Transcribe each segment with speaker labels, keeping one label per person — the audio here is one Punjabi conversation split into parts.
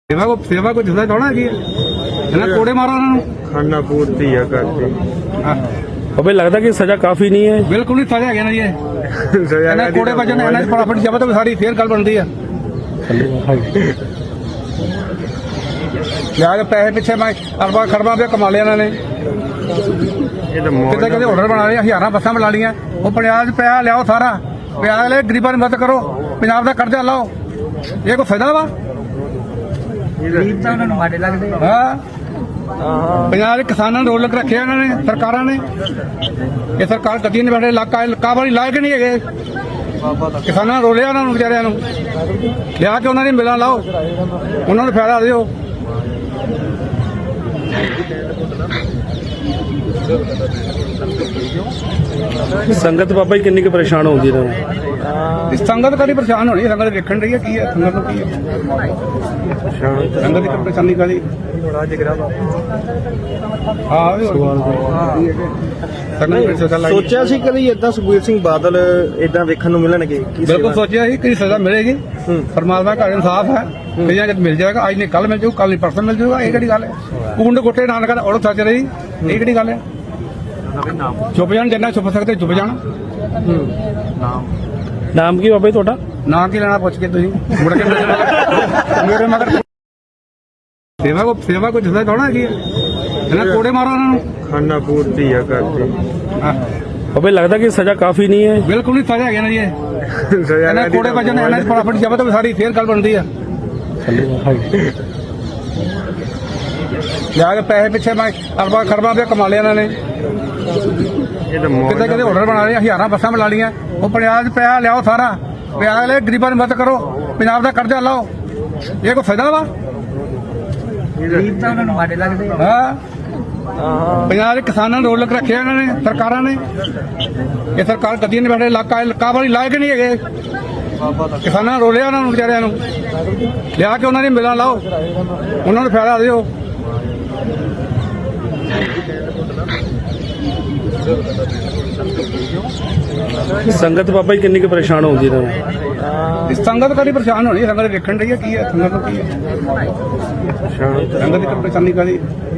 Speaker 1: सेवा को जिंदा थोड़ा की कोड़े मारो उन्होंने
Speaker 2: खाना पूर्ति है करते
Speaker 3: अबे लगता कि सजा काफी नहीं है।
Speaker 1: बिल्कुल नहीं सजा है ना जी ਇਹਨਾਂ ਕੋੜੇ ਵਜਨ ਇਹਨਾਂ ਦੀ ਫਟਾਫਟ ਜਬਤ ਵੀ ਸਾਰੀ ਫੇਰ ਗੱਲ ਬਣਦੀ ਆ ਲਿਆ ਕੇ ਪੈਸੇ ਪਿੱਛੇ ਮੈਂ ਅਰਬਾਂ ਖਰਬਾਂ ਰੁਪਏ ਕਮਾ ਲਿਆ ਇਹਨਾਂ ਨੇ
Speaker 2: ਇਹ ਤਾਂ ਮੌਤ
Speaker 1: ਕਿਤੇ ਕਿਤੇ ਹੋਟਲ ਬਣਾ ਲਏ ਹਜ਼ਾਰਾਂ ਬੱਸਾਂ ਬਣਾ ਲੀਆਂ ਉਹ ਪੰਜਾਬ 'ਚ ਪੈਸਾ ਲਿਆਓ ਸਾਰਾ ਪਿਆਜ਼ ਲੈ ਗਰੀਬਾਂ ਦੀ ਮਦਦ ਕਰੋ ਪੰਜਾਬ ਦਾ ਕਰਜ਼ਾ ਲਾਓ ਇਹ ਕੋਈ ਫਾਇਦਾ ਵਾ
Speaker 4: ਗਰੀਬ ਤਾਂ ਉਹਨਾਂ ਨੂੰ ਮਾੜੇ ਲੱਗਦੇ
Speaker 1: ਹਾਂ ਪੰਜਾਬ ਦੇ ਕਿਸਾਨਾਂ ਨੂੰ ਰੋਲਕ ਰੱਖਿਆ ਇਹਨਾਂ ਨੇ ਸਰਕਾਰਾਂ ਨੇ ਇਹ ਸਰਕਾਰ ਕਦੀ ਨਹੀਂ ਬੈਠੇ ਇਲਾਕਾ ਵਾਲੀ ਲਾਇਕ ਨਹੀਂ ਹੈਗੇ ਕਿਸਾਨਾਂ ਨੂੰ ਰੋਲਿਆ ਉਹਨਾਂ ਨੂੰ ਵਿਚਾਰਿਆਂ ਨੂੰ ਲਿਆ ਕੇ ਉਹਨਾਂ ਦੀ ਮਿਲਾਂ ਲਾਓ ਉਹਨਾਂ ਨੂੰ ਫਾਇਦਾ ਦਿਓ
Speaker 3: संगत बाबा जी किन्नी के परेशान होगी ना
Speaker 1: संगत कभी परेशान होनी संगत देखने रही है की है संगत की है संगत की परेशानी का
Speaker 2: ਸੋਚਿਆ ਸੀ ਕਦੀ ਇਦਾਂ ਸੁਖਬੀਰ ਸਿੰਘ ਬਾਦਲ ਇਦਾਂ ਵੇਖਣ ਨੂੰ ਮਿਲਣਗੇ
Speaker 1: ਬਿਲਕੁਲ ਸੋਚਿਆ ਸੀ ਕਿ ਸਜ਼ਾ ਮਿਲੇਗੀ ਪਰਮਾਤਮਾ ਦਾ ਇਨਸਾਫ ਹੈ ਕਈਆਂ ਜਦ ਮਿਲ ਜਾਏਗਾ ਅੱਜ ਨਹੀਂ ਕੱਲ ਮਿਲ ਜਾਊ ਕੱਲ ਨਹੀਂ ਪਰਸੋਂ ਮਿਲ ਜਾਊਗਾ ਇਹ ਕਿਹੜੀ ਗੱਲ ਹੈ ਕੁੰਡ ਕੋਟੇ ਨਾਨਕਾ ਦਾ ਔੜ ਸੱਚ ਰਹੀ ਇਹ ਕਿਹੜੀ ਗੱਲ ਹੈ ਚੁੱਪ ਜਾਣ ਜਿੰਨਾ ਚੁੱਪ ਸਕਦੇ ਚੁੱਪ ਜਾਣ
Speaker 3: नाम की बाबा जी ਤੁਹਾਡਾ
Speaker 1: ਨਾ ਕੀ ਲੈਣਾ ਪੁੱਛ ਕੇ ਤੁਸੀਂ ਮੁੜ ਕੇ ਮੇਰੇ ਮਗਰ ਸੇਵਾ ਕੋ ਜਿੰਦਾ ਥੋੜਾ ਕੀ ਇਹਨਾਂ ਕੋੜੇ ਮਾਰੋ ਉਹਨਾਂ ਨੂੰ
Speaker 2: ਖਾਣਾ ਪੂਰਤੀ ਹੈ ਕਰਦੇ
Speaker 3: अबे लगता कि सजा काफी नहीं है।
Speaker 1: ਬਿਲਕੁਲ ਨਹੀਂ ਸਜ਼ਾ ਹੈ ਨਾ ਜੀ ਇਹਨਾਂ ਕੋੜੇ ਵਜਨ ਇਹਨਾਂ ਦੀ ਫਟਾਫਟ ਜਬਤ ਵੀ ਸਾਰੀ ਫੇਰ ਗੱਲ ਬਣਦੀ ਆ ਲਿਆ ਕੇ ਪੈਸੇ ਪਿੱਛੇ ਮੈਂ ਅਰਬਾਂ ਖਰਬਾਂ ਰੁਪਏ ਕਮਾ ਲਿਆ ਇਹਨਾਂ ਨੇ
Speaker 2: ਇਹ ਤਾਂ ਮੌਤ
Speaker 1: ਕਿਤੇ ਕਿਤੇ ਹੋਟਲ ਬਣਾ ਲਏ ਹਜ਼ਾਰਾਂ ਬੱਸਾਂ ਬਣਾ ਲੀਆਂ ਉਹ ਪੰਜਾਬ 'ਚ ਪੈਸਾ ਲਿਆਓ ਸਾਰਾ ਪਿਆਜ਼ ਲੈ ਗਰੀਬਾਂ ਦੀ ਮਦਦ ਕਰੋ ਪੰਜਾਬ ਦਾ ਕਰਜ਼ਾ ਲਾਓ ਇਹ ਕੋਈ ਫਾਇਦਾ ਵਾ
Speaker 4: ਗਰੀਬ ਤਾਂ ਉਹਨਾਂ ਨੂੰ ਮਾੜੇ ਲੱਗਦੇ
Speaker 1: ਹਾਂ ਪੰਜਾਬ ਦੇ ਕਿਸਾਨਾਂ ਨੂੰ ਰੋਲਕ ਰੱਖਿਆ ਇਹਨਾਂ ਨੇ ਸਰਕਾਰਾਂ ਨੇ ਇਹ ਸਰਕਾਰ ਕਦੀ ਨਹੀਂ ਬੈਠੇ ਇਲਾਕਾ ਵਾਲੀ ਲਾਇਕ ਨਹੀਂ ਹੈਗੇ ਕਿਸਾਨਾਂ ਨੂੰ ਰੋਲਿਆ ਉਹਨਾਂ ਨੂੰ ਵਿਚਾਰਿਆਂ ਨੂੰ ਲਿਆ ਕੇ ਉਹਨਾਂ ਦੀ ਮਿਲਾਂ ਲਾਓ ਉਹਨਾਂ ਨੂੰ ਫਾਇਦਾ ਦਿਓ
Speaker 3: संगत बाबा जी किन्नी के परेशान होगी ना
Speaker 1: संगत कभी परेशान होनी संगत देखने रही है की है संगत की है संगत की परेशानी का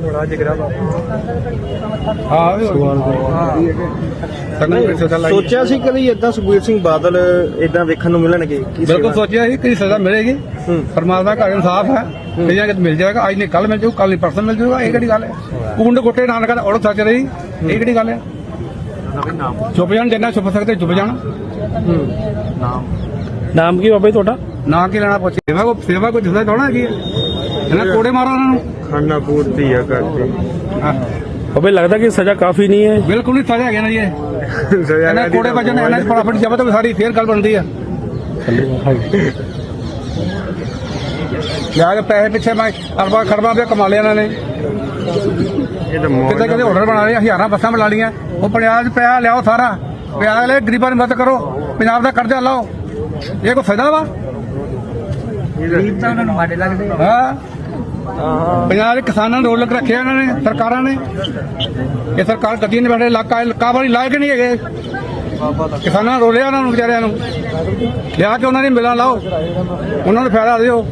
Speaker 2: ਸੋਚਿਆ ਸੀ ਕਦੀ ਇਦਾਂ ਸੁਖਬੀਰ ਸਿੰਘ ਬਾਦਲ ਇਦਾਂ ਵੇਖਣ ਨੂੰ ਮਿਲਣਗੇ
Speaker 1: ਬਿਲਕੁਲ ਸੋਚਿਆ ਸੀ ਕਿ ਸਜ਼ਾ ਮਿਲੇਗੀ ਪਰਮਾਤਮਾ ਦਾ ਇਨਸਾਫ ਹੈ ਕਈਆਂ ਜਦ ਮਿਲ ਜਾਏਗਾ ਅੱਜ ਨਹੀਂ ਕੱਲ ਮਿਲ ਜਾਊ ਕੱਲ ਨਹੀਂ ਪਰਸੋਂ ਮਿਲ ਜਾਊਗਾ ਇਹ ਕਿਹੜੀ ਗੱਲ ਹੈ ਕੁੰਡ ਕੋਟੇ ਨਾਨਕਾ ਦਾ ਔੜ ਸੱਚ ਰਹੀ ਇਹ ਕਿਹੜੀ ਗੱਲ ਹੈ ਚੁੱਪ ਜਾਣ ਜਿੰਨਾ ਚੁੱਪ ਸਕਦੇ ਚੁੱਪ ਜਾਣ
Speaker 3: नाम की बाबा जी ਤੁਹਾਡਾ
Speaker 1: ਨਾ ਕੀ ਲੈਣਾ ਪੁੱਛ ਸੇਵਾ ਕੋ ਜਿੰਦਾ ਥੋੜਾ ਕੀ ਇਹਨਾਂ ਕੋੜੇ ਮਾਰੋ ਉਹਨਾਂ ਨੂੰ
Speaker 2: ਖਾਣਾ ਪੂਰਤੀ ਹੈ ਕਰਦੇ
Speaker 3: अबे लगता कि सजा काफी नहीं है।
Speaker 1: ਬਿਲਕੁਲ ਨਹੀਂ ਸਜ਼ਾ ਹੈ ਨਾ ਜੀ ਇਹਨਾਂ ਕੋੜੇ ਵਜਨ ਇਹਨਾਂ ਦੀ ਫਟਾਫਟ ਜਬਤ ਵੀ ਸਾਰੀ ਫੇਰ ਗੱਲ ਬਣਦੀ ਆ ਲਿਆ ਕੇ ਪੈਸੇ ਪਿੱਛੇ ਮੈਂ ਅਰਬਾਂ ਖਰਬਾਂ ਰੁਪਏ ਕਮਾ ਲਿਆ ਇਹਨਾਂ ਨੇ
Speaker 2: ਇਹ ਤਾਂ ਮੌਤ
Speaker 1: ਕਿਤੇ ਕਿਤੇ ਹੋਟਲ ਬਣਾ ਲਏ ਹਜ਼ਾਰਾਂ ਬੱਸਾਂ ਬਣਾ ਲੀਆਂ ਉਹ ਪੰਜਾਬ 'ਚ ਪੈਸਾ ਲਿਆਓ ਸਾਰਾ ਪਿਆਜ਼ ਲੈ ਗਰੀਬਾਂ ਦੀ ਮਦਦ ਕਰੋ ਪੰਜਾਬ ਦਾ ਕਰਜ਼ਾ ਲਾਓ ਇਹ ਕੋਈ ਫਾਇਦਾ ਵਾ
Speaker 4: ਗਰੀਬ ਤਾਂ ਉਹਨਾਂ ਨੂੰ ਮਾੜੇ ਲੱਗਦੇ
Speaker 1: ਹਾਂ ਪੰਜਾਬ ਦੇ ਕਿਸਾਨਾਂ ਨੂੰ ਰੋਲਕ ਰੱਖਿਆ ਇਹਨਾਂ ਨੇ ਸਰਕਾਰਾਂ ਨੇ ਇਹ ਸਰਕਾਰ ਕਦੀ ਨਹੀਂ ਬੈਠੇ ਇਲਾਕਾ ਵਾਲੀ ਲਾਇਕ ਨਹੀਂ ਹੈਗੇ ਕਿਸਾਨਾਂ ਨੂੰ ਰੋਲਿਆ ਉਹਨਾਂ ਨੂੰ ਵਿਚਾਰਿਆਂ ਨੂੰ ਲਿਆ ਕੇ ਉਹਨਾਂ ਦੀ ਮਿਲਾਂ ਲਾਓ ਉਹਨਾਂ ਨੂੰ ਫਾਇਦਾ ਦਿਓ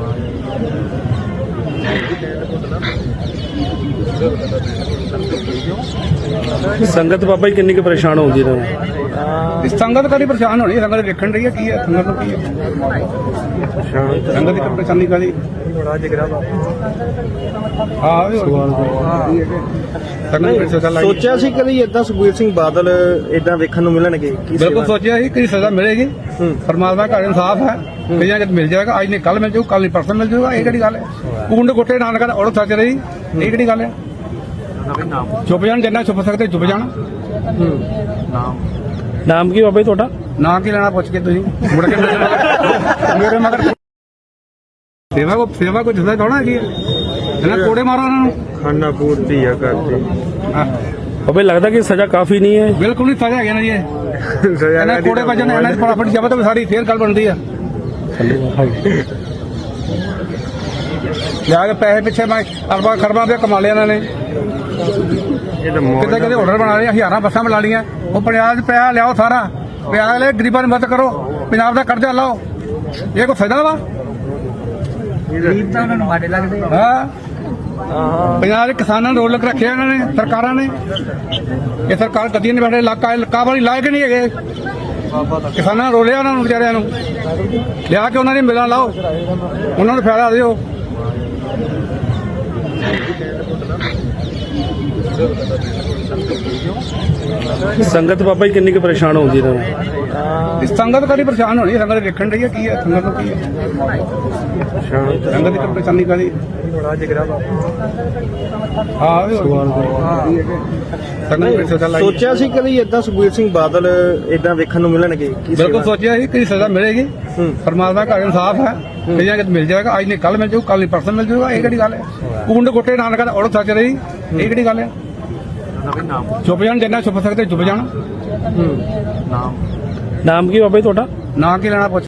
Speaker 3: संगत बाबा जी किन्नी के परेशान होगी ना
Speaker 1: संगत कभी परेशान होनी संगत देखने रही है की है संगत की है संगत की परेशानी का
Speaker 2: ਸੋਚਿਆ ਸੀ ਕਦੀ ਇਦਾਂ ਸੁਖਬੀਰ ਸਿੰਘ ਬਾਦਲ ਇਦਾਂ ਵੇਖਣ ਨੂੰ ਮਿਲਣਗੇ
Speaker 1: ਬਿਲਕੁਲ ਸੋਚਿਆ ਸੀ ਕਿ ਸਜ਼ਾ ਮਿਲੇਗੀ ਪਰਮਾਤਮਾ ਦਾ ਇਨਸਾਫ ਹੈ ਕਈਆਂ ਜਦ ਮਿਲ ਜਾਏਗਾ ਅੱਜ ਨਹੀਂ ਕੱਲ ਮਿਲ ਜਾਊ ਕੱਲ ਨਹੀਂ ਪਰਸੋਂ ਮਿਲ ਜਾਊਗਾ ਇਹ ਕਿਹੜੀ ਗੱਲ ਹੈ ਕੁੰਡ ਕੋਟੇ ਨਾਨਕਾ ਦਾ ਔੜ ਸੱਚ ਰਹੀ ਇਹ ਕਿਹੜੀ ਗੱਲ ਹੈ ਚੁੱਪ ਜਾਣ ਜਿੰਨਾ ਚੁੱਪ ਸਕਦੇ ਚੁੱਪ ਜਾਣ
Speaker 3: नाम की बाबा जी ਤੁਹਾਡਾ
Speaker 1: ਨਾ ਕੀ ਲੈਣਾ ਪੁੱਛ ਕੇ ਤੁਸੀਂ ਮੁੜ ਕੇ ਮੇਰੇ ਮਗਰ ਸੇਵਾ ਕੋ ਜਿੰਦਾ ਥੋੜਾ ਕੀ ਇਹਨਾਂ ਕੋੜੇ ਮਾਰੋ ਉਹਨਾਂ ਨੂੰ
Speaker 2: ਖਾਣਾ ਪੂਰਤੀ ਹੈ ਕਰਦੇ
Speaker 3: अबे लगता कि सजा काफी नहीं है।
Speaker 1: ਬਿਲਕੁਲ ਨਹੀਂ ਸਜ਼ਾ ਹੈ ਨਾ ਜੀ ਇਹਨਾਂ ਕੋੜੇ ਵਜਨ ਇਹਨਾਂ ਦੀ ਫਟਾਫਟ ਜਬਤ ਵੀ ਸਾਰੀ ਫੇਰ ਗੱਲ ਬਣਦੀ ਆ ਲਿਆ ਕੇ ਪੈਸੇ ਪਿੱਛੇ ਮੈਂ ਅਰਬਾਂ ਖਰਬਾਂ ਰੁਪਏ ਕਮਾ ਲਿਆ ਇਹਨਾਂ ਨੇ
Speaker 2: ਇਹ ਤਾਂ ਮੌਤ
Speaker 1: ਕਿਤੇ ਕਿਤੇ ਹੋਟਲ ਬਣਾ ਲਏ ਹਜ਼ਾਰਾਂ ਬੱਸਾਂ ਬਣਾ ਲੀਆਂ ਉਹ ਪੰਜਾਬ 'ਚ ਪੈਸਾ ਲਿਆਓ ਸਾਰਾ ਪਿਆਜ਼ ਲੈ ਗਰੀਬਾਂ ਦੀ ਮਦਦ ਕਰੋ ਪੰਜਾਬ ਦਾ ਕਰਜ਼ਾ ਲਾਓ ਇਹ ਕੋਈ ਫਾਇਦਾ ਵਾ
Speaker 4: ਗਰੀਬ ਤਾਂ ਉਹਨਾਂ ਨੂੰ ਮਾੜੇ ਲੱਗਦੇ ਆ।
Speaker 1: ਹਾਂ ਪੰਜਾਬ ਦੇ ਕਿਸਾਨਾਂ ਨੂੰ ਰੋਲਕ ਰੱਖਿਆ ਇਹਨਾਂ ਨੇ ਸਰਕਾਰਾਂ ਨੇ। ਇਹ ਸਰਕਾਰ ਕਦੀ ਨਹੀਂ ਬੈਠੇ ਇਲਾਕਾ ਵਾਲੀ ਲਾਇਕ ਨਹੀਂ ਹੈਗੇ। ਕਿਸਾਨਾਂ ਨੂੰ ਰੋਲਿਆ ਉਹਨਾਂ ਨੂੰ ਵਿਚਾਰਿਆਂ ਨੂੰ ਲਿਆ ਕੇ ਉਹਨਾਂ ਦੀ ਮਿਲਾਂ ਲਾਓ, ਉਹਨਾਂ ਨੂੰ ਫਾਇਦਾ ਦਿਓ।
Speaker 3: ਸੰਗਤ ਬਾਬਾ ਜੀ ਕਿੰਨੀ ਕੁ ਪਰੇਸ਼ਾਨ ਹੁੰਦੀ ਇਹਨਾਂ ਨੂੰ?
Speaker 1: ਇਸ ਸੰਗਤ ਕਦੀ ਪਰੇਸ਼ਾਨ ਹੋਣੀ, ਸੰਗਤ ਦੇਖਣ ਰਹੀ ਹੈ ਕੀ ਹੈ, ਸੰਗਤ ਨੂੰ ਕੀ ਹੈ, ਸੰਗਤ ਦੀ ਤਾਂ ਪਰੇਸ਼ਾਨੀ ਕਾਹਦੀ ਹਾਂ
Speaker 2: ਸੋਚਿਆ ਸੀ ਕਦੀ ਇਦਾਂ ਸੁਖਬੀਰ ਸਿੰਘ ਬਾਦਲ ਇਦਾਂ ਵੇਖਣ ਨੂੰ ਮਿਲਣਗੇ? ਕੀ
Speaker 1: ਬਿਲਕੁਲ ਸੋਚਿਆ ਸੀ ਕਿ ਸਜ਼ਾ ਮਿਲੇਗੀ। ਪਰਮਾਤਮਾ ਘਰ ਇਨਸਾਫ ਹੈ, ਕਈਆਂ ਕਿ ਮਿਲ ਜਾਏਗਾ। ਅੱਜ ਨਹੀਂ ਕੱਲ ਮਿਲ ਜਾਊ, ਕੱਲ ਨਹੀਂ ਪਰਸੋਂ ਮਿਲ ਜਾਊਗਾ। ਇਹ ਕਿਹੜੀ ਗੱਲ ਹੈ? ਕੁੰਡ ਕੋਟੇ ਨਾਨਕਾ ਦਾ ਔਰਤ ਸੱਚ ਰਹੀ, ਇਹ ਕਿਹੜੀ ਗੱਲ ਹੈ? ਚੁੱਪ ਜਾਣ, ਜਿੰਨਾ ਚੁੱਪ ਸਕਦੇ ਚੁੱਪ ਜਾਣ।
Speaker 3: ਨਾਮ ਕੀ ਬਾਬਾ ਜੀ ਤੁਹਾਡਾ?
Speaker 1: ਨਾ ਕੀ ਲੈਣਾ ਪੁੱਛ